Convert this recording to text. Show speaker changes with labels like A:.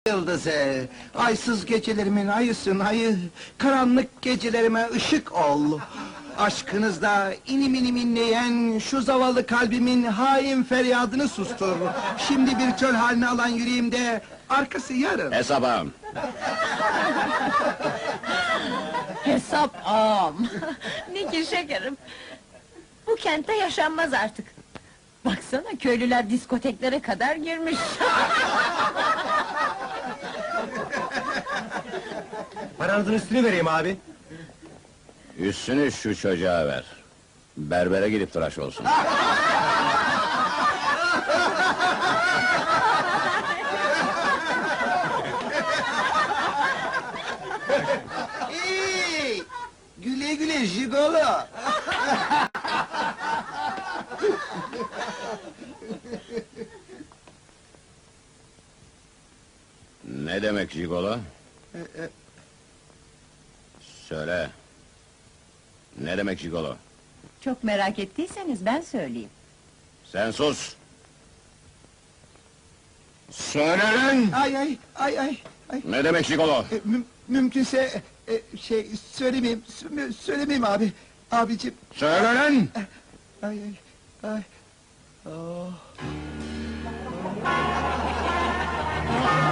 A: Yıldızı, aysız gecelerimin ayısın ayı, karanlık gecelerime ışık ol. Aşkınızda inim inim inleyen şu zavallı kalbimin hain feryadını sustur. Şimdi bir çöl haline alan yüreğimde arkası yarın.
B: Hesaba!
C: Hesap ağam! Ne ki şekerim! Bu kentte yaşanmaz artık! Baksana, köylüler diskoteklere kadar girmiş!
D: Paranızın üstünü vereyim abi.
B: Üstünü şu çocuğa ver. Berbere gidip tıraş olsun.
A: Hey! Güle güle jigolo!
B: Ne demek jigolo? Söyle. Ne demek jigolo?
C: Çok merak ettiyseniz ben söyleyeyim.
B: Sen sus! Söyle lan!
A: Ay!
B: Ne demek jigolo?
A: Mümkünse söylemeyeyim abi. Abicim,
B: Söyle lan!
A: ay. Oh.